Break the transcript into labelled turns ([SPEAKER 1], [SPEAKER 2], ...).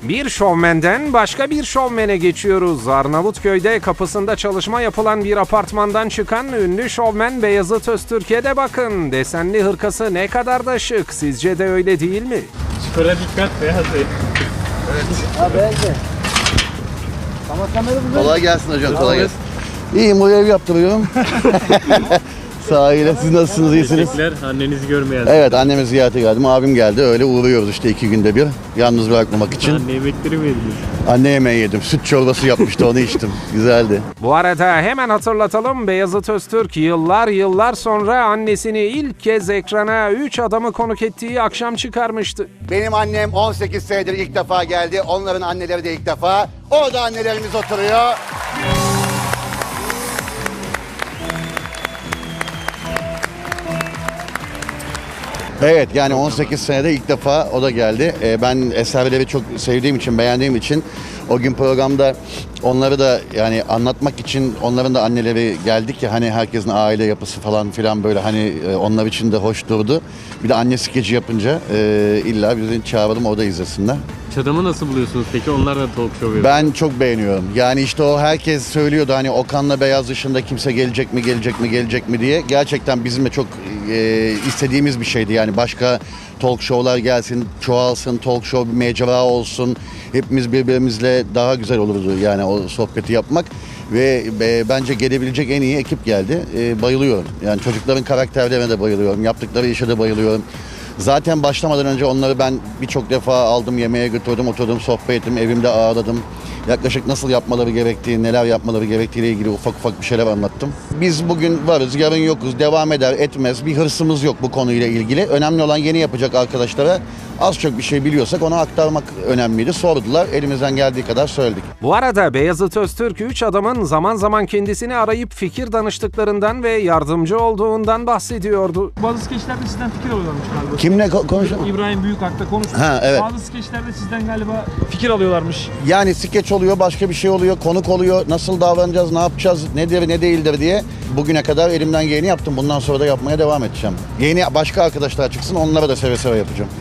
[SPEAKER 1] Bir şovmenden başka bir şovmene geçiyoruz. Arnavutköy'de kapısında çalışma yapılan bir apartmandan çıkan ünlü şovmen Beyazıt Öztürk'e de bakın. Desenli hırkası ne kadar da şık. Sizce de öyle değil mi?
[SPEAKER 2] Şuraya dikkat Beyaz Bey.
[SPEAKER 3] Kolay gelsin hocam, kolay gelsin. İyiyim, bu ev yaptırıyorum. Sahile, siz nasılsınız, iyisiniz?
[SPEAKER 2] Teşekkürler, annenizi görmeye
[SPEAKER 3] Evet, annemi ziyarete geldim, abim geldi. Öyle uğruyoruz işte 2 günde bir. Yalnız bırakmamak için.
[SPEAKER 2] Anne yemekleri mi yediniz?
[SPEAKER 3] Anne yemeği yedim, süt çorbası yapmıştı, onu içtim. Güzeldi.
[SPEAKER 1] Bu arada hemen hatırlatalım, Beyazıt Öztürk yıllar sonra annesini ilk kez ekrana 3 adamı konuk ettiği akşam çıkarmıştı.
[SPEAKER 3] Benim annem 18 senedir ilk defa geldi. Onların anneleri de ilk defa. Orada annelerimiz oturuyor. Evet, yani 18 senede ilk defa o da geldi. Ben eserleri çok sevdiğim için, beğendiğim için o gün programda onları da yani anlatmak için onların da anneleri geldik ya, hani herkesin aile yapısı falan filan böyle hani onlar için de hoş durdu. Bir de anne skeci yapınca illa bizi çağıralım, o da izlesinler.
[SPEAKER 2] Çadamı nasıl buluyorsunuz peki? Onlar da talk show yapıyor.
[SPEAKER 3] Ben çok beğeniyorum. Yani işte o herkes söylüyordu hani Okan'la Beyaz dışında kimse gelecek mi diye. Gerçekten bizim de çok istediğimiz bir şeydi. Yani başka talk show'lar gelsin, çoğalsın, talk show bir mecra olsun. Hepimiz birbirimizle daha güzel olurdu yani o sohbeti yapmak. Ve bence gelebilecek en iyi ekip geldi. Bayılıyorum. Yani çocukların karakterlerine de bayılıyorum. Yaptıkları işe de bayılıyorum. Zaten başlamadan önce onları ben birçok defa aldım, yemeğe götürdüm, oturdum, sohbet ettim, evimde ağırladım. Yaklaşık nasıl yapmaları gerektiği, neler yapmaları gerektiğiyle ilgili ufak bir şeyler anlattım. Biz bugün varız, yarın yokuz, devam eder etmez. Bir hırsımız yok bu konuyla ilgili. Önemli olan yeni yapacak arkadaşlara az çok bir şey biliyorsak onu aktarmak önemliydi. Sordular, elimizden geldiği kadar söyledik.
[SPEAKER 1] Bu arada Beyazıt Öztürk 3 adamın zaman zaman kendisini arayıp fikir danıştıklarından ve yardımcı olduğundan bahsediyordu.
[SPEAKER 4] Bazı skeçlerde sizden fikir alıyorlarmış galiba.
[SPEAKER 3] Kimle konuşalım?
[SPEAKER 4] İbrahim Büyükak'ta konuştuk.
[SPEAKER 3] Ha, evet.
[SPEAKER 4] Bazı skeçlerde sizden galiba fikir alıyorlarmış.
[SPEAKER 3] Yani skeç oluyor, başka bir şey oluyor, konuk oluyor. Nasıl davranacağız, ne yapacağız, nedir, ne değildir diye. Bugüne kadar elimden geleni yaptım. Bundan sonra da yapmaya devam edeceğim. Yeni başka arkadaşlar çıksın, onlara da seve seve yapacağım.